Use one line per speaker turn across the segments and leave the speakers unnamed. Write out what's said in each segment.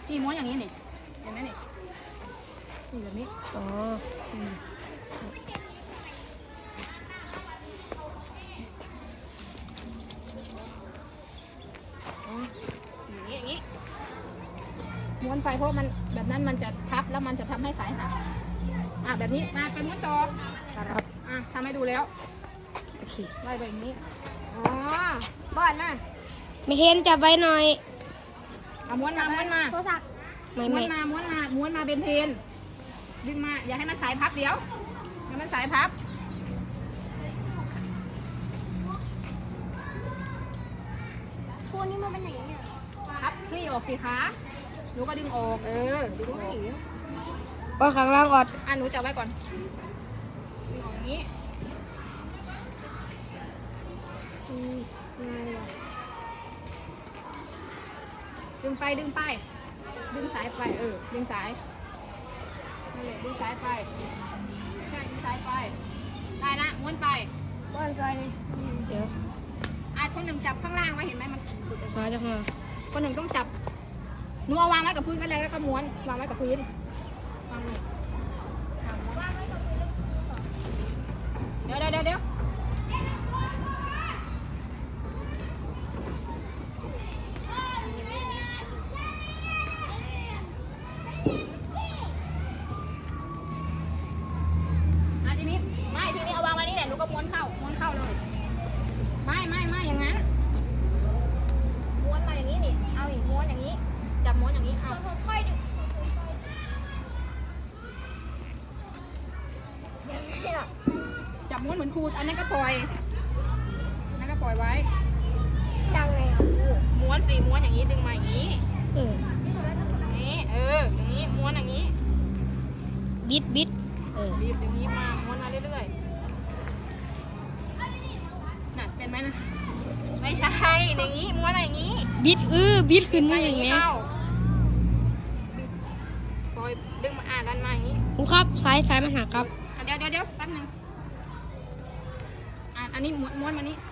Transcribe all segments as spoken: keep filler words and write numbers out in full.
นี่ม้วนอย่างนี้นี่เห็นไหมนี่นี่แบบนี้อ๋ออย่างนี้อย่างนี้ม้วนไปเพราะมันแบบนั้นมันจะพับแล้วมันจะทำให้สายหักอ่ะแบบนี้มาไปม้วนต่อครับอ่ะทำให้ดูแล้วโอเคไล่ไปอย่างนี้อ๋อบอดมา
ไม่เห็นจับไว้หน่อย
เอาม้วนมาม้วนมา
โทรศัพท์
ม้วนมาม้วนมาม้วนมาเป็นเทนดึงมาอย่าให้มันสายพับเดี๋ยวให้มันสายพับ
พวกนี้มันเป็นอย่างนี้
พับคลี่ออกสิคะหนูก็ดึงออกเออดึงออก
อดข้างล่างอด
อ่ะหนูจับไว้ก่อนดึงออกอย่างนี้ดึงไปดึงไปดึงสายไปเออดึงสายนั่นแหละดึงสายไปใช่ดึงสายไปได้ละม้วนไป
บ้านซอยนี่เดี๋ยว
อ่ะคนหนึ่งจับข้างล่างไว้เห็นไหมมัน
ซอยจังเลย
คนหนึ่งต้องจับหนูเอาวางไว้กับพื้นก็แล้วแล้วก็ม้วนวางไว้กับพื้นวางเลยเดี๋ยวเดี๋ยวเดี๋ยวทีนี้ไม่ทีนี้เอาวางไว้นี่แหละหนูก็ม้วนเข้าม้วนเข้าเลยไม่ไม่ไม่อย่างนั้นม้วนมาอย่างนี้นี่เอาอีกม้วนอย่างนี้จับม้วนอย่างนี้เอา
ค่อยดึง
จับม้วนเหมือนครูอันนั้นก็ปล่อยอันนั้นก็ปล่อยไว้
ยังไง
ม้วนสี่ม้วนอย่างนี้ดึงมาอย่างนี้
เออ
อย่างนี้เอออย่างนี้ม้วนอย่างนี้
บิดบิดเออ
บีบอย่างนี้มาม้วนมาเรื่อยๆน่ะเป็นไหมนะไม่ใช่อย่างนี้ม้วนอะไรอย่างนี้
บิดเออบิดขึ้นมาอย่างนี้
ปล่อยดึงมาอ่านดันมาอย่างนี้
ครูครับสายสายมันหักครับ
เดี๋ยวเดี๋ยวเดี๋ยวแป๊บนึงอ่านอันนี้ม้วนม้วนมานี้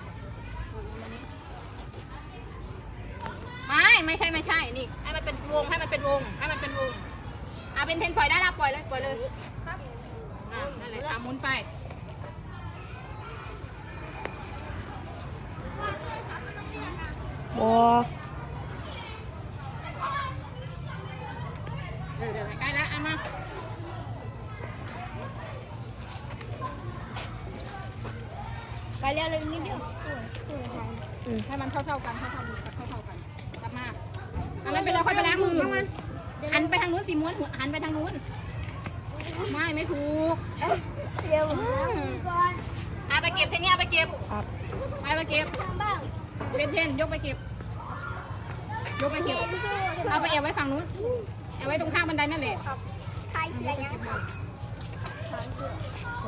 ไม่ไม่ใช่ไม่ใช่นี่ให้มันเป็นวงให้มันเป็นวงให้มันเป็นวงอ่ะเป็นเทนปล่อยได้แล้วปล่อยเลยปล่อยเลยครับอ่ะนั่นแหละอ่ะหมุนไป
โอ้
เดี๋ยวเดี๋ยวใกล้แล้วอันมา
ไปเร็วเลยนิดเดียว
ให้มันเท่าเท่ากันเท่าเท่ากันเท่าเท่ากันกลับมาอันนั้นไปแล้วค่อยไปล้างมือหันไปทางนู้นสิม้วนหันไปทางนู้นไม่ไม่ถูก
เดี๋ยว
ก่อนเอาไปเก็บเทนี่เอาไปเก็บไปไปเก็บเป็นเทนยกไปเก็บยกไปเก็บเอาไปเอวไว้ฝั่งนู้นเอาไว้ตรงข้างบันไดนั่นแหละ
ใครเสียยัง